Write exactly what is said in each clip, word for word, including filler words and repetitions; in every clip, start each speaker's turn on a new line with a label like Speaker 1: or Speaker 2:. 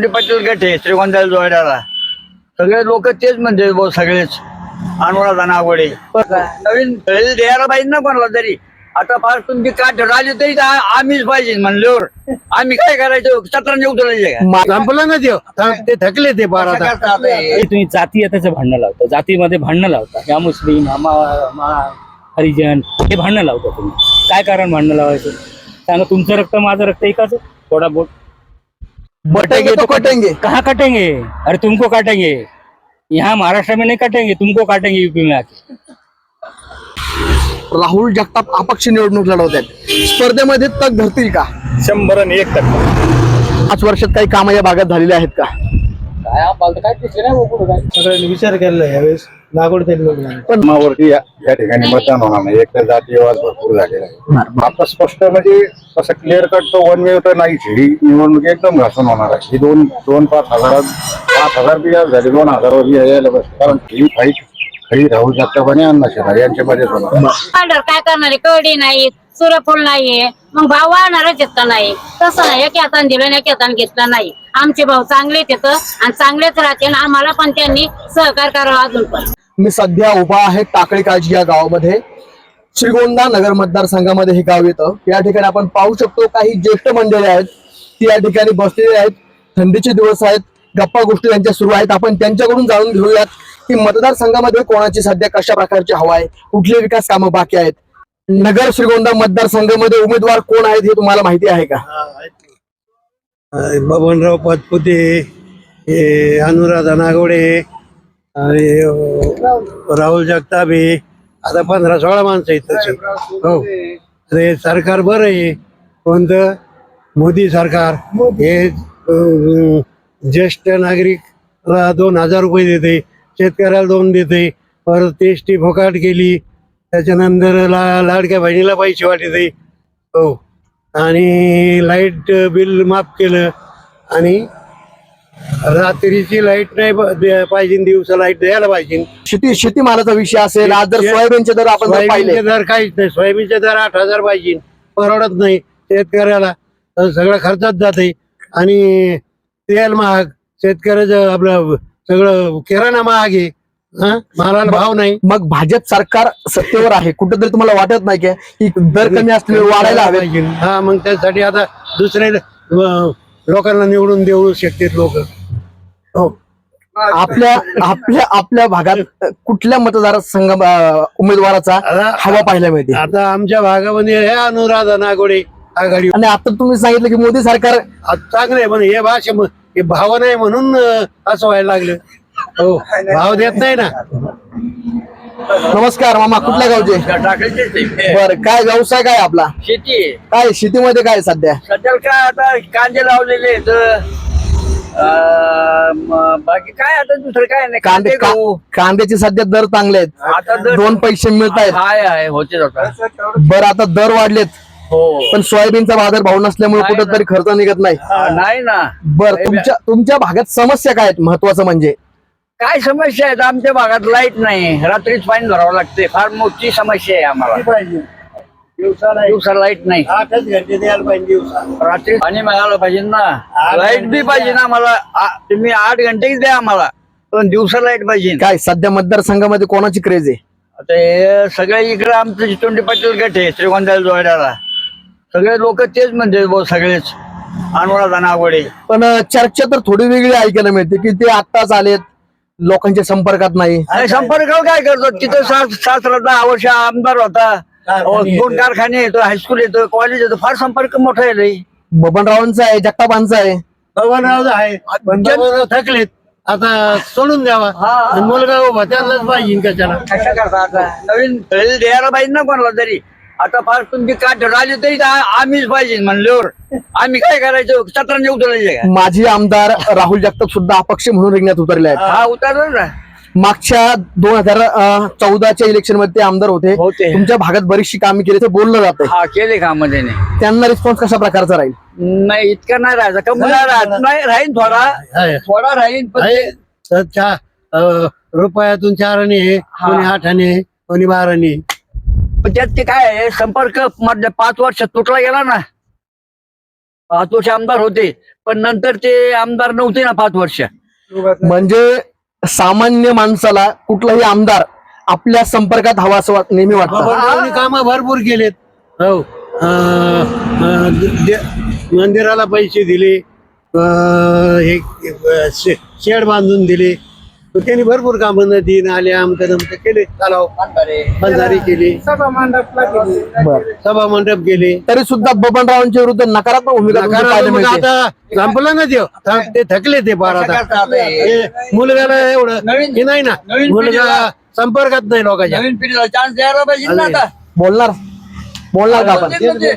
Speaker 1: चितोंडी पाटील गट आहे श्रीगोंद्याला जोड्याला सगळे लोक तेच म्हणजे भाऊ सगळेच अनुराधा नागोडे नवीन खेळ द्यायला पाहिजे ना कोणाला तरी. आता फार तुमची काठ राहिली तरी आम्हीच पाहिजे म्हणल्यावर आम्ही काय करायचं सतराने उतरायचे
Speaker 2: संपलं ना ते थकले ते बारा
Speaker 3: तुम्ही जाती त्याचं भांडणं लावता, जातीमध्ये भांडणं लावता, या मुस्लिम आम्हा हरिजन हे भांडणं लावता. तुम्ही काय कारण भांडणं लावायचं सांगा. तुमचं रक्त माझं रक्त एकाच थोडा बोट
Speaker 2: बटेंगे तो कटेंगे.
Speaker 3: कहाँ कटेंगे? अरे तुमको काटेंगे, यहाँ महाराष्ट्र में नहीं काटेंगे, तुमको काटेंगे यूपी में आके.
Speaker 2: राहुल जगताप अपक्ष निवडणूक लढवत आहेत, स्पर्धेमध्ये तग धरतील का?
Speaker 4: शंभर आणि एक टक्का.
Speaker 2: पाच वर्षात काही कामं या भागात झालेली आहेत का?
Speaker 5: सगळ्यांनी विचार केला यावेळेस नागोड
Speaker 4: पण मावरती या या ठिकाणी मतदान होणार नाही. एक तर जातीयवाद भरपूर झालेला आहे. आता स्पष्ट म्हणजे असं क्लिअर कट तो वन वे तर नाहीच. ही निवडणूक एकदम घासून होणार आहे. ही दोन दोन पाच हजार पाच हजार बी झाले, दोन हजार यायला बस. कारण ही फाईट खरी राहुल जगताप आणि अण्णा शिंदे यांच्यामध्येच होणार.
Speaker 6: काय करणारे कडी नाही, सूर्यफूल नाहीये, मग भाव वाढणारच येत नाही. तसं नाही एक हाताने दिलं नाही एक हाताने घेतलं नाही. आमचे भाऊ चांगलेच येतं आणि चांगलेच राहते. आम्हाला पण त्यांनी सहकार करावा. अजून पण
Speaker 2: मी सध्या उभा आहे टाकळी काळजी या गावामध्ये, श्रीगोंदा नगर मतदारसंघामध्ये हे गाव येतं. या ठिकाणी आपण पाहू शकतो काही ज्येष्ठ मंडळी आहेत ती या ठिकाणी बसलेली आहेत. थंडीचे दिवस आहेत, गप्पा गोष्टी त्यांच्या सुरू आहेत. आपण त्यांच्याकडून जाणून घेऊयात की मतदारसंघामध्ये कोणाची सध्या कशा प्रकारची हवा आहे, कुठले विकास कामं बाकी आहेत. नगर श्रीगोंदा मतदारसंघामध्ये उमेदवार कोण आहेत हे तुम्हाला माहिती आहे का?
Speaker 5: बबनराव पाचपुते, हे अनुराधा नागोडे आणि राहुल जगताप. आता पंधरा सोळा माणसं आहेत तसे. हो अरे सरकार बरं आहे. कोणतं मोदी सरकार हे अं, ज्येष्ठ नागरिक दोन हजार रुपये देते, शेतकऱ्याला दोन देते, परत एस टी फोकाट केली, त्याच्यानंतर ला लाडक्या बहिणीला पैसे वाटते. हो आणि लाईट बिल माफ केलं आणि रात्रीची लाईट नाही पाहिजे, दिवसा लाईट द्यायला पाहिजे.
Speaker 2: शेती शेतीमालाचा विषय असेल. आज जर सोयाबीनचे दर आपण जर पाहिले,
Speaker 5: सोयाबीनचे दर काहीच नाही. सोयाबीनचे दर आठ हजार पाहिजे, परवडत नाही शेतकऱ्याला. सगळं खर्चात जाते आणि तेल महाग, शेतकऱ्याचं आपलं सगळं किराणा महाग आहे. मालाला भाव नाही.
Speaker 2: मग भाजप सरकार सत्तेवर आहे, कुठेतरी तुम्हाला वाटत नाही की दर कमी असले वाढायला हवे?
Speaker 5: हा मग त्यासाठी आता दुसरे लोकांना निवडून देऊ शकतात लोक. हो
Speaker 2: आपल्या आपल्या आपल्या भागात कुठल्या मतदारसंघ उमेदवाराचा हवा पाहायला मिळते?
Speaker 5: आता आमच्या भागामध्ये हे अनुराधा नागोडे आघाडी.
Speaker 2: आणि आता तुम्ही सांगितलं की मोदी सरकार
Speaker 5: चांगलं आहे, पण हे भाषे हे भाव नाही म्हणून असं व्हायला लागलं. हो भाव देत नाही ना.
Speaker 2: नमस्कार मामा, कुठल्या गावचे?
Speaker 1: टाकायचे
Speaker 2: बर, काय व्यवसाय काय आपला?
Speaker 1: शेती आहे.
Speaker 2: काय शेतीमध्ये काय सध्या?
Speaker 1: सध्या काय आता कांदे लावलेले आहेत. अं, म- बाकी काय आता दुसरं काय नाही.
Speaker 2: कांदे
Speaker 1: कांदे
Speaker 2: का-
Speaker 1: गहू.
Speaker 2: कांद्याचे सध्या दर चांगले
Speaker 1: आता
Speaker 2: आहेत,
Speaker 1: दर-
Speaker 2: दोन पैसे मिळत आहेत.
Speaker 1: हाय हाय होते आता.
Speaker 2: बरं, आता दर वाढलेत
Speaker 1: हो
Speaker 2: पण सोयाबीनचा बाजार भाव नसल्यामुळे
Speaker 1: नाही ना.
Speaker 2: कुठेतरी खर्च निघत नाही.
Speaker 1: हा, नाही ना.
Speaker 2: बर, तुमच्या तुमच्या भागात समस्या काय आहेत महत्वाचं म्हणजे?
Speaker 1: काय समस्या आहेत आमच्या भागात? लाईट नाही, रात्रीच पाणी भरावं लागते. फार मोठी समस्या आहे आम्हाला. दिवसा लाईट नाही,
Speaker 5: आठच घंटे द्यायला पाहिजे दिवसा.
Speaker 1: रात्री पाणी मिळालं पाहिजे ना. लाईट बी पाहिजे ना आम्हाला. आ- तुम्ही आठ घंटेच द्या आम्हाला, पण दिवसा लाईट पाहिजे.
Speaker 2: काय सध्या मतदारसंघामध्ये कोणाची क्रेज आहे?
Speaker 1: आता हे सगळे इकडे आमचं चितोंडी पाटील गट आहे श्रीगोंद्याला जोड्याला सगळे लोक तेच म्हणजे भाऊ सगळेच अनुराधा नागोडे.
Speaker 2: पण अं, चर्चा तर थोडी वेगळी ऐकायला मिळते की ते आत्ताच आलेत, लोकांच्या संपर्कात नाही.
Speaker 1: आणि संपर्क काय करतो? तिथं सास सासरा दहा वर्ष आमदार होता. अहो, दोन कारखाने येतो, हायस्कूल येतो, कॉलेज येतो. फार संपर्क मोठा आहे.
Speaker 2: बबनरावांचा आहे, जगतापांचा आहे.
Speaker 5: बबनराव आहे, पण बबनराव थकलेत. आता सोडून द्यावा. आणि मुलगा उभा त्यांनाच पाहिजे कशाला.
Speaker 1: कशा करता आता? नवीन खेळ द्यायला पाहिजे ना कोणाला तरी. आता फार तुमची काठ राहिली तरी आम्हीच पाहिजे म्हणल्यावर आम्ही काय करायचं सतराने उतरायचे का?
Speaker 2: माजी आमदार राहुल जगताप सुद्धा अपक्ष म्हणून रिंगणात उतरले आहेत.
Speaker 1: हा उतरला ना.
Speaker 2: मागच्या दोन हजार चौदाच्या इलेक्शन मध्ये ते आमदार होते.
Speaker 1: होते.
Speaker 2: तुमच्या भागात बरीचशी कामे केली ते बोललं जातं.
Speaker 1: हा केले कामध्ये नाही.
Speaker 2: त्यांना रिस्पॉन्स कशा प्रकारचा राहील?
Speaker 1: नाही इतका नाही राहायचा. कमी नाही राहत. नाही राहीन थोडा
Speaker 5: आहे.
Speaker 1: थोडा राहीन पण
Speaker 5: आहे.
Speaker 1: ते-
Speaker 5: तर चा- अं, रुपयातून चार आणे आहे, कोणी आठ आणे आहे, कोणी बारा आणे आहे.
Speaker 1: पण त्यात ते काय आहे संपर्क मधल्या पाच वर्षात तुटला गेला ना. पाच वर्ष आमदार होते, पण नंतर ते आमदार नव्हते ना पाच वर्ष.
Speaker 2: म्हणजे सामान्य माणसाला कुठलाही आमदार आपल्या संपर्कात हवा असं वाट- नेहमी वाटतं.
Speaker 5: काम भरपूर केलेत. हो अं, अं, दे- मंदिराला पैसे दिले, अं, हे अं, शे- शेड बांधून दिले. त्यांनी भरपूर कामं नदी नाल्या आमचं नमतं केले, तलाव बंधारे केले,
Speaker 2: बरं.
Speaker 5: सभा मंडप केले.
Speaker 2: तरी सुद्धा बबनरावांच्या विरुद्ध नकारात्मक भूमिका तुमची पाहायला
Speaker 5: मग
Speaker 2: मिळते.
Speaker 5: आता संपलं ना ते थक- ते थकले ते फार आता. हे मुलगाला एवढं
Speaker 1: नवीन-
Speaker 5: हे नाही ना,
Speaker 1: नवीन
Speaker 5: मुलगा
Speaker 1: पिढीला-
Speaker 5: संपर्कात नाही लोकांच्या.
Speaker 1: नवीन पिढीला चान्स द्यायला पाहिजे ना आता.
Speaker 2: बोलणार बोलणार का आपण?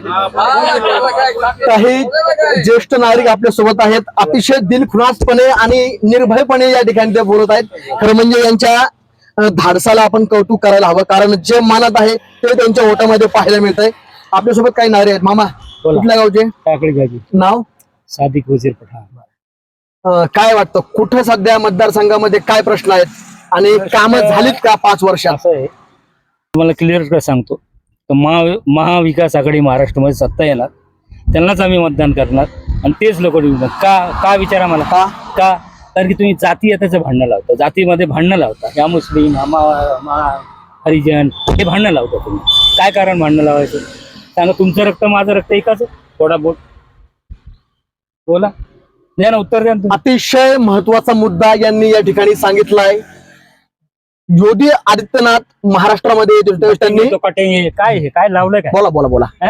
Speaker 2: काही ज्येष्ठ नागरिक आपल्या सोबत आहेत, अतिशय दिलखुलासपणे आणि निर्भयपणे या ठिकाणी ते बोलत आहेत. खरं म्हणजे यांच्या अं, धाडसाला आपण कौतुक करायला हवं, कारण जे मानत आहे ते त्यांच्या ओटामध्ये पाहायला मिळत आहे. आपल्यासोबत काही नागरिक आहेत. मामा कुठल्या गावचे?
Speaker 3: टाकळी गाजी
Speaker 2: नाव?
Speaker 3: सादिक वजीर पठाण.
Speaker 2: अं, काय वाटतं कुठं सध्या मतदारसंघामध्ये काय प्रश्न आहेत आणि कामं झालीत का पाच वर्षात?
Speaker 3: असं आहे, तुम्हाला क्लिअर सांगतो, तर महा महाविकास आघाडी महाराष्ट्रामध्ये सत्ता येणार, त्यांनाच आम्ही मतदान करणार आणि तेच लोक निवडणार. का का विचारा मला का का कारण की तुम्ही जाती त्याचं भांडणं लावता, जातीमध्ये भांडणं लावता. या मुस्लिम आम्हा मा हरिजन हे भांडणं लावता तुम्ही. काय कारण भांडणं लावायचं सांगा? तुमचं रक्त माझं रक्त एकाच, थोडा बोट बोला, द्या ना उत्तर द्या ना तुम्ही.
Speaker 2: अतिशय महत्वाचा मुद्दा यांनी या ठिकाणी सांगितलाय. योगी आदित्यनाथ महाराष्ट्रामध्ये येत होते त्यावेळेस त्यांनी
Speaker 3: तो कटेंगे काय हे काय लावलंय काय?
Speaker 2: बोला बोला बोला
Speaker 3: हैं?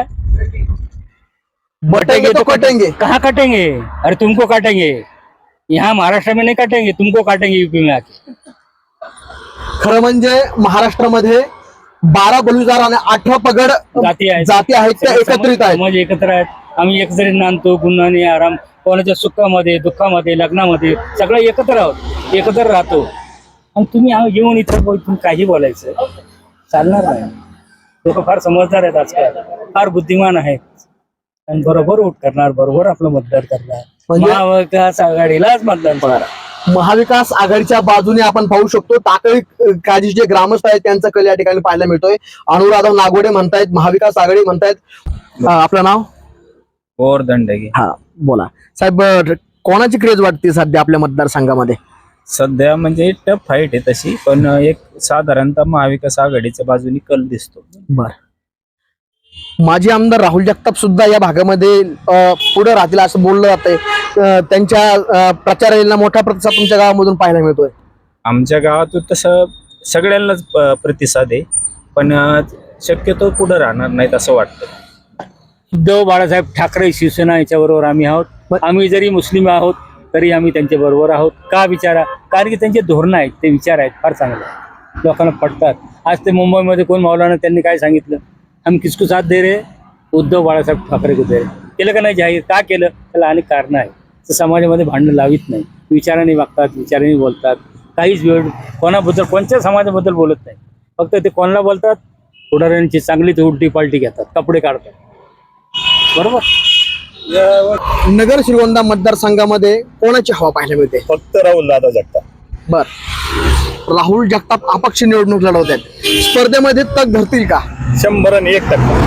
Speaker 2: बटेंगे तो कटेंगे.
Speaker 3: कहाँ काटेंगे? अरे तुमको काटेंगे, यहाँ महाराष्ट्र में नहीं काटेंगे, तुमको काटेंगे यूपी में आके.
Speaker 2: खरं म्हणजे महाराष्ट्रामध्ये बारा बलुजार आणि अठरा पगड
Speaker 3: जाती आहेत,
Speaker 2: जाती आहेत त्या एकत्रित आहेत.
Speaker 3: म्हणजे एकत्र आहेत. आम्ही एक जरी नांदतो, गुन्हाने आराम, कोणाच्या सुखामध्ये दुःखामध्ये लग्नामध्ये सगळं एकत्र आहोत, एकत्र राहतो. आणि तुम्ही आ- येऊन इथं बोल- तुम्ही काही बोलायचं चालणार नाही. लोक फार समजदार आहेत आजकाल, फार बुद्धिमान आहेत आणि बरोबर वोट करणार, बरोबर आपलं मतदान करणार.
Speaker 2: म्हणजे-
Speaker 3: महाविकास आघाडीलाच मतदान करणार.
Speaker 2: महाविकास आघाडीच्या बाजूने आपण पाहू शकतो टाकळी काजी जे ग्रामस्थ आहेत त्यांचा कल या ठिकाणी पाहायला मिळतोय. अनुराधा नागोडे म्हणतायत, महाविकास आघाडी म्हणतायत. अं, आपलं नाव?
Speaker 7: और दंडगी.
Speaker 2: हा बोला साहेब. अं, कोणाची क्रेज वाटते सध्या आपल्या मतदारसंघामध्ये?
Speaker 7: सध्या म्हणजे टफ फाईट आहे तशी, पण एक साधारणतः महाविकास आघाडीच्या बाजूने कल दिसतो.
Speaker 2: बर. माजी आमदार राहुल जगताप सुद्धा या भागामध्ये अं, पुढे राहतील असं बोललं जातंय. अं, त्यांच्या अं, प्रचाराला मोठा प्रतिसाद तुमच्या गावामधून पाहायला मिळतोय.
Speaker 7: आमच्या गावातून तसं सगळ्यांनाच प- प्रतिसाद आहे, पण अं, शक्यतो पुढे राहणार नाहीत असं वाटतं.
Speaker 3: उद्धव बाळासाहेब ठाकरे शिवसेना याच्याबरोबर आम्ही आहोत.
Speaker 2: बर.
Speaker 3: आम्ही जरी मुस्लिम आहोत तरी आम्ही त्यांच्या बरोबर आहोत. का विचारा? कारण की त्यांचे धोरणं आहेत, ते विचार आहेत फार चांगले, लोकांना पटतात. आज ते मुंबईमध्ये कोण मौलाना त्यांनी काय सांगितलं, हम किसको साथ दे रहे, उद्धव बाळासाहेब ठाकरे को दे रहे. केलं का नाही जाहीर? का केलं? त्याला अनेक कारणं आहेत. तर समाजामध्ये भांडणं लावित नाही, विचाराने वागतात, विचाराने बोलतात. काहीच वेळ कोणाबद्दल कोणत्या समाजाबद्दल बोलत नाही. फक्त ते कोणाला बोलतात, पुढाऱ्यांची चांगलीच उलटी पालटी घेतात, कपडे काढतात. बरोबर.
Speaker 2: नगर श्रीगोंदा मतदारसंघामध्ये कोणाची हवा पाहायला मिळते?
Speaker 4: फक्त राहुल दादा जगताप.
Speaker 2: बर. राहुल जगताप अपक्ष निवडणूक लढवत आहेत, स्पर्धेमध्ये तग धरतील का?
Speaker 4: शंभर आणि एक टक्का.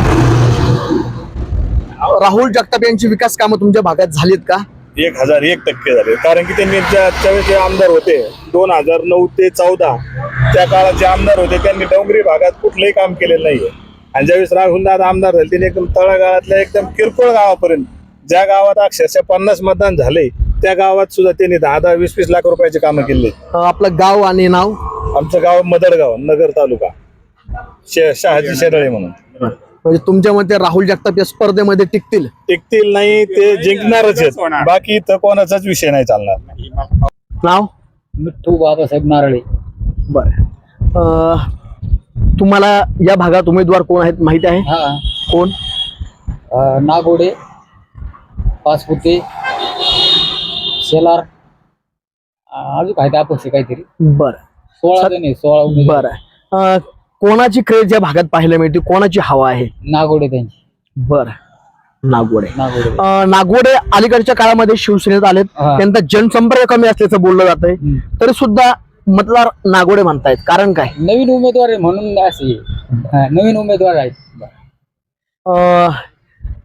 Speaker 2: राहुल जगताप यांची विकास कामं तुमच्या भागात झालीत का?
Speaker 4: एक हजार एक टक्के झाले, कारण की त्यांनी ज्या त्यावेळेस जे आमदार होते दोन हजार नऊ ते चौदा त्या काळात जे आमदार होते त्यांनी डोंगरी भागात कुठलंही काम केलेलं नाहीये. आणि ज्यावेळेस राहुल दादा आमदार झाले त्यांनी एकदम तळागाळातल्या एकदम किरकोळ गावापर्यंत, ज्या गावात अक्षरशः पन्नास मतदान झाले त्या गावात सुद्धा त्यांनी दहा दहा वीस वीस लाख रुपयाचे कामं केले.
Speaker 2: अं, आपलं गाव आणि नाव?
Speaker 4: आमचं गाव मदडगाव, नगर तालुका, शे- शहाजी शेरळे म्हणून.
Speaker 2: म्हणजे तुमच्या मते राहुल जगताप या स्पर्धेमध्ये टिकतील?
Speaker 4: टिकतील नाही, ते जिंकणारच आहेत. बाकी इथं कोणाचाच विषय नाही चालणार.
Speaker 2: नाव?
Speaker 3: मिठ्ठू बाबासाहेब नारळे.
Speaker 2: बर. तुम्हाला या भागात उमेदवार कोण आहेत माहिती आहे?
Speaker 3: हा,
Speaker 2: कोण?
Speaker 3: अं, नागोडे, पाचपुते, शेलार, अं, अजून काय ते अपक्ष काहीतरी
Speaker 2: बर
Speaker 3: सोळा जण आहे, सोळा उमेदवार.
Speaker 2: बर. अं, कोणाची क्रेज या भागात पाहायला मिळते, कोणाची हवा आहे?
Speaker 3: नागोडे त्यांची.
Speaker 2: बर. नागोडे.
Speaker 3: नागोडे.
Speaker 2: अं, नागोडे अलीकडच्या काळामध्ये शिवसेनेत आलेत,
Speaker 3: हा.
Speaker 2: त्यांचा जनसंपर्क कमी असल्याचं बोललं जातंय,
Speaker 3: हम्म.
Speaker 2: तरी सुद्धा मतदार नागोडे म्हणतायत, कारण काय?
Speaker 3: नवीन उमेदवार आहे म्हणून असे, हा, नवीन उमेदवार आहेत.
Speaker 2: अं,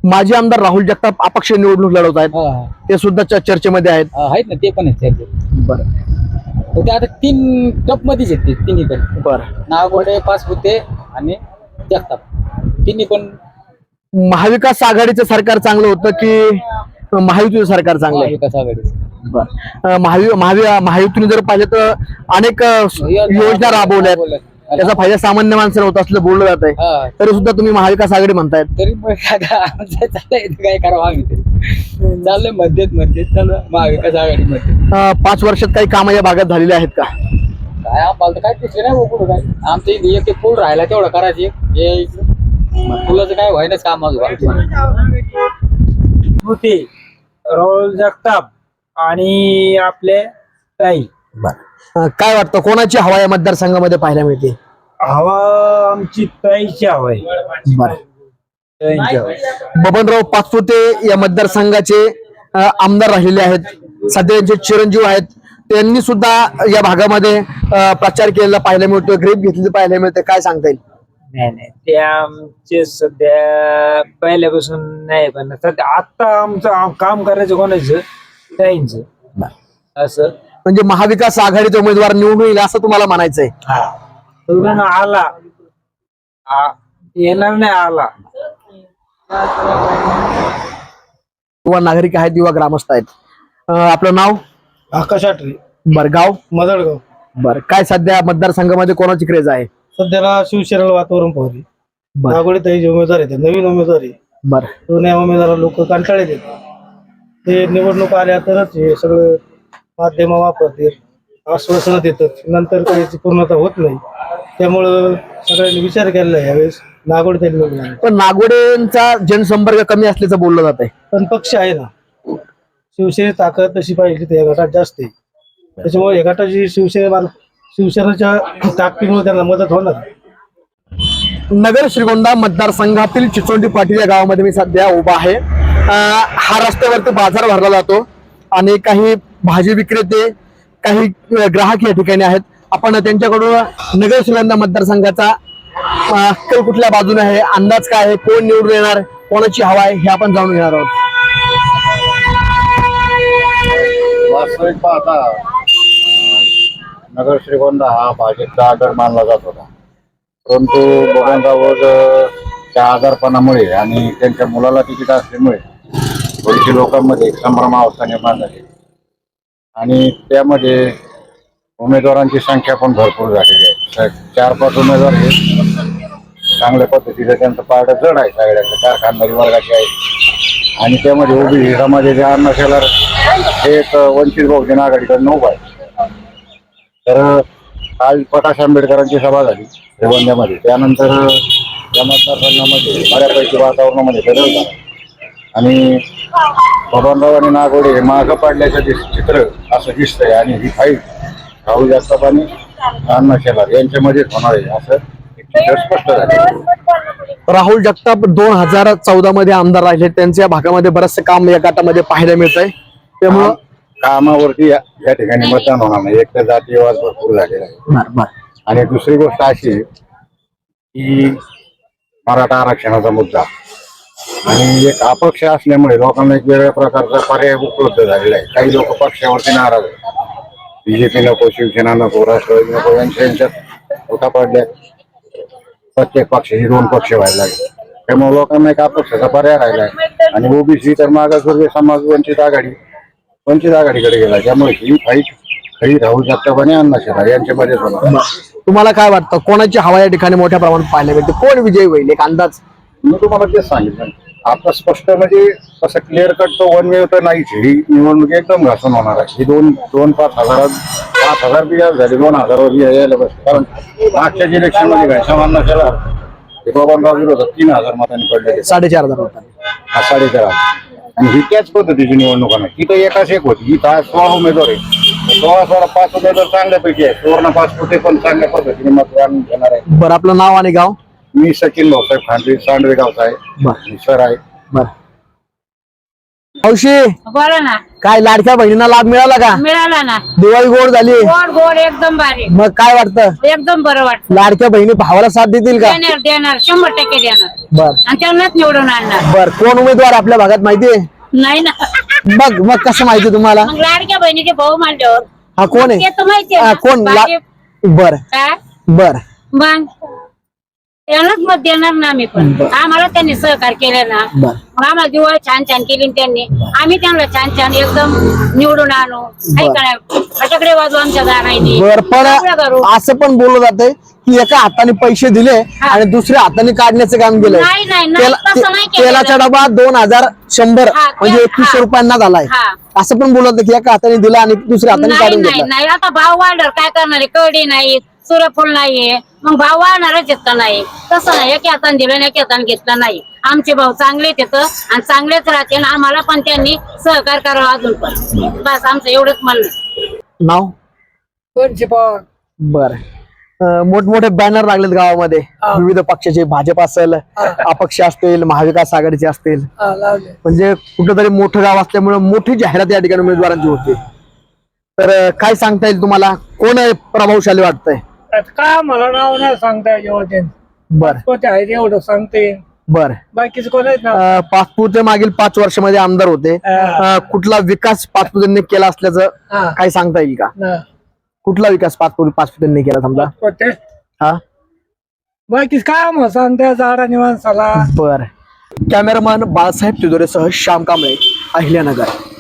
Speaker 2: माजी आमदार राहुल जगताप अपक्ष निवडणूक लढवत आहेत,
Speaker 8: हा,
Speaker 2: ते सुद्धा च- चर्चेमध्ये आहेत.
Speaker 8: हा, आहेत ना ते पण आहेत त्याचे.
Speaker 2: बरं
Speaker 8: तर ते आता तीन टप मध्येच आहेत ते तिन्ही पण,
Speaker 2: बरं
Speaker 8: नागोडे, पाचपुते आणि जगताप, तिन्ही पण
Speaker 2: महाविकास आघाडीचं सरकार चांगलं होतं की महायुतीचं सरकार चांगलं आहे?
Speaker 8: महाविकास आघाडी.
Speaker 2: बरं. महावि महावि- महायुतीने जर पाहिलं तर अनेक अ, योजना राबवल्यात, त्याचा फायदा सामान्य माणसाला होत असलं बोललं जात आहे,
Speaker 8: हा,
Speaker 2: तरी सुद्धा तुम्ही महाविकास आघाडी म्हणतायत.
Speaker 8: तरी मग आता आमचं चाललंय इथं काय करावं आम्ही तरी चाललंय मध्येच मध्येच चालू महाविकास आघाडीमध्ये.
Speaker 2: अ, पाच वर्षात काही कामं या भागात झालेली आहेत का?
Speaker 8: काय आम्हाला तर काय दिसले नाही हो कुठं काय. आमचं इथे एक एक पूल राहिला तेवढं करायची हे इकडं. पुलाचं काय व्हायनाच काम
Speaker 7: होते राहुल जगताप आणि आपले ताई.
Speaker 2: अ, काय वाटतं कोणाची हवा या मतदारसंघामध्ये पाहायला मिळते?
Speaker 7: हवा आमची ताईची हवा आहे.
Speaker 2: बरं.
Speaker 7: ताईंची हवा आहे.
Speaker 2: बबनराव पाचपुते या मतदारसंघाचे अ, आमदार राहिलेले आहेत, सध्या त्यांचे चिरंजीव आहेत, त्यांनी सुद्धा या भागामध्ये अ, प्रचार केलेला पाहायला मिळतो, ग्रेप घेतलेली पाहायला मिळते. काय सांगता येईल?
Speaker 7: नाही नाही ते आमचे सध्या पहिल्यापासून नाही, पण सध्या आता आमचं आम- काम करायचं कोणाचं ताईंचं असं.
Speaker 2: म्हणजे महाविकास आघाडीचा उमेदवार निवडून येईल असं तुम्हाला म्हणायचंय?
Speaker 7: हा निवडून आला आ- येणार नाही आला
Speaker 2: किंवा नागरिक आहेत किंवा ग्रामस्थ आहेत. अ, आपलं नाव?
Speaker 5: आकाश आटरे,
Speaker 2: बरं. गाव?
Speaker 5: मदळगाव.
Speaker 2: बरं. काय सध्या मतदारसंघामध्ये कोणाची क्रेज आहे?
Speaker 5: सध्याला शिवसेनेला वातावरण पाहते.
Speaker 2: बरं
Speaker 5: नागोडे ताई जे उमेदवार आहेत, नवीन उमेदवार आहे,
Speaker 2: बरं
Speaker 5: जुन्या उमेदवार लोक कंटाळे देतात. ते निवडणूक आल्या तरच हे सगळं माध्यम वापरते, आश्वासनं देतात, नंतर त्याची पूर्णता होत नाही. त्यामुळं सगळ्यांनी विचार केलेला आहे यावेळेस नागोडे ताई निवडून आले.
Speaker 2: पण नागोडेंचा जनसंपर्क कमी असल्याचं बोललं जात आहे.
Speaker 5: पण पक्ष आहे ना, शिवसेनेची ताकद तशी पाहिजे त्या गटात जास्त आहे. त्याच्यामुळे या गटाची शिवसेने शिवसेनेच्या ताकदीमुळे त्यांना मदत होणार.
Speaker 2: नगर श्रीगोंदा मतदारसंघातील चिचोंडी पाटील या गावामध्ये मी सध्या उभा आहे. अं, हा रस्त्यावरती बाजार भरला जातो आणि काही भाजी विक्रेते, काही अं, ग्राहक या ठिकाणी आहेत. आपण त्यांच्याकडून नगर श्रीगोंदा मतदारसंघाचा अं, कल कुठल्या बाजूने आहे, अंदाज काय आहे, कोण निवडून येणार, कोणाची हवा आहे, हे आपण जाणून घेणार आहोत.
Speaker 4: वास्तविक पाहता नगर श्रीगोंदा हा भाजपचा आधार मानला जात होता, परंतु बबनराव त्या आजारपणामुळे आणि त्यांच्या मुलाला तिकीट असल्यामुळे थोडीशी लोकांमध्ये एक संभ्रमावस्था निर्माण झाली आणि त्यामध्ये उमेदवारांची संख्या पण भरपूर झालेली आहे. चार पाच उमेदवार हे चांगल्या पद्धतीने त्यांचं पारडं जड आहे, सगळ्यांचं कारखानदारी वर्गाचे आहे आणि त्यामध्ये उभी समाजाचे अण्णा शेलार हे एक वंचित बहुजन आघाडीकडनं उभा आहे. तर काल प्रकाश आंबेडकरांची सभा झाली श्रीगोंद्यामध्ये, त्यानंतर या मतदारसंघामध्ये बऱ्यापैकी वातावरणामध्ये बदल झाला आणि बबनराव आणि नागोडे हे मागं पडल्याचं दिस चित्र असं दिसतंय आणि ही फाईट राहुल जगताप आणि अण्णा शेलार यांच्यामध्येच होणार आहे असं एक चित्र स्पष्ट झालं.
Speaker 2: राहुल जगताप दोन हजार चौदा मध्ये आमदार राहिले, त्यांच्या या भागामध्ये बरचसे काम या गटामध्ये पाहायला मिळत आहे. त्यामुळं
Speaker 4: कामावरती या या ठिकाणी मतदान होणार नाही. एक तर जातीयवाद भरपूर झालेला आहे आणि दुसरी गोष्ट अशी की मराठा आरक्षणाचा मुद्दा आणि एक अपक्ष असल्यामुळे लोकांना एक वेगळ्या प्रकारचा पर्याय उपलब्ध झालेला आहे. काही लोक पक्षावरती नाराज आहेत, बीजेपी नको, शिवसेना नको, राष्ट्रवादी नको, यांच्या यांच्यात होता पडल्या प्रत्येक पक्षाचे दोन पक्ष व्हायला लागले. त्यामुळे लोकांना एक अपक्षाचा पर्याय राहिला आहे आणि ओबीसी तर मागासवर्गीय समाज वंचित आघाडी वंचित आघाडीकडे गेला. त्यामुळे ही फाईट खरी राहुल जगताप आणि अण्णा शेलार यांच्यामध्येच होणार.
Speaker 2: तुम्हाला काय वाटतं कोणाची हवा या ठिकाणी मोठ्या प्रमाणात पाहायला मिळते, कोण विजयी होईल, एक अंदाज?
Speaker 4: मी तुम्हाला तेच सांगितलं, आता स्पष्ट म्हणजे तसं क्लिअर कट तो वन वे तर नाहीच. ही निवडणूक एकदम घासून होणार आहे. ही दोन दोन पाच हजारात पाच हजार बी झाली, दोन हजारावर यायला बस. कारण मागच्या इलेक्शन मध्ये घनश्याम शेलार हे बबनराव विरोधात तीन हजार मतांनी पडले,
Speaker 2: साडेचार हजार होता.
Speaker 4: हा साडेचार हजार. आणि ही त्याच पद्धतीची निवडणूक आहे. ही तर एकाच एक होती, ही दहा सोळा उमेदवार आहे, सोळा सोळा पाच उमेदवार चांगल्यापैकी आहे. सुवर्ण पाच कुठे पण चांगल्या पद्धतीने मतदान घेणार आहे.
Speaker 2: बरं, आपलं नाव आणि गाव?
Speaker 4: मी सचिन भाऊसाहेब खांडे, सांडवे गावचा आहे,
Speaker 2: बरं
Speaker 4: सर आहे.
Speaker 2: बरं. मावशी
Speaker 6: बोला ना.
Speaker 2: काय लाडक्या बहिणींना लाभ मिळाला का?
Speaker 6: मिळाला ना.
Speaker 2: दिवाळी गोड झाली.
Speaker 6: गोड गोड एकदम भारी.
Speaker 2: मग काय वाटतं
Speaker 6: एकदम बरं वाटतं.
Speaker 2: लाडक्या बहिणी भावाला साथ देतील का?
Speaker 6: देणार देणार शंभर टक्के देणार.
Speaker 2: बर
Speaker 6: आणि त्यांनाच निवडून आणणार.
Speaker 2: बर कोण उमेदवार आपल्या भागात माहितीये?
Speaker 6: नाही ना.
Speaker 2: मग मग कसं माहिती तुम्हाला?
Speaker 6: मग लाडक्या बहिणीचे भाऊ मांडल्यावर
Speaker 2: हा कोण
Speaker 6: ते
Speaker 2: आहे?
Speaker 6: तर माहिती
Speaker 2: हा, कोण ला- बर
Speaker 6: काय
Speaker 2: बर
Speaker 6: मग त्यांनाच मत देणार ना आम्ही पण. आम्हाला त्यांनी सहकार केलं ना.
Speaker 2: बर
Speaker 6: मग आम्हाला दिवाळी छान छान केली ना त्यांनी. आम्ही त्यांना छान छान एकदम निवडून आणू. काही काय फटाकडे वाजू आमच्या दाराने.
Speaker 2: बर पण
Speaker 6: सगळं करू.
Speaker 2: असं पण बोललं जातंय की एका हाताने पैसे दिले आणि दुसऱ्या हाताने काढण्याचं काम केलंय.
Speaker 6: नाही नाही नाही,
Speaker 2: तेला-
Speaker 6: तसं नाही केलेलं.
Speaker 2: तेलाचा डबा दोन हजार शंभर
Speaker 6: हा, ते-
Speaker 2: म्हणजे एकवीसशे
Speaker 6: हा.
Speaker 2: रुपयांना झालाय.
Speaker 6: हा.
Speaker 2: असं पण बोलत की एका हाताने दिला आणि दुसऱ्या हाताने
Speaker 6: नाही
Speaker 2: काढून
Speaker 6: नाही
Speaker 2: घेतला.
Speaker 6: नाही आता भाव वाढल्यावर काय करणार आहे? कडी नाही सूर्यफूल नाहीये मग भाव वाढणारच येत नाही. तसं नाही एके हाताने दिलं नाही एके हाताने घेतलं नाही. आमचे भाऊ चांगलेच येतं आणि चांगलेच राहते आणि आम्हाला पण त्यांनी सहकार करावं अजून पण. बस आमचं एवढंच म्हणणं आहे.
Speaker 2: नाव बर मोठमोठे बॅनर लागलेत गावामध्ये विविध पक्षाचे, भाजप असेल, अपक्ष असतील, महाविकास आघाडीचे असतील. म्हणजे कुठेतरी मोठं गाव असल्यामुळे मोठी जाहिरात या ठिकाणी उमेदवारांची होते. तर अं, काय सांगता येईल तुम्हाला कोण आहे प्रभावशाली वाटतंय?
Speaker 7: काय मला नाव नाही सांगता येईल.
Speaker 2: बर
Speaker 7: कोणते आहे एवढं सांगते.
Speaker 2: बर
Speaker 7: बाकीचं कोण आहेत ना.
Speaker 2: अं, पाचपुते मागील पाच वर्षामध्ये आमदार होते. अं, कुठला विकास पाचपुतेंनी केला असल्याचं काय सांगता येईल का? कुठला विकास पाचपुते पाचपुतेंनी केला समजा? हा
Speaker 7: बाकी काय मग सांगता झाडा निवांसाला.
Speaker 2: बर कॅमेरामॅन बाळासाहेब तिजोरेसह श्याम कांबळे, अहिल्यानगर.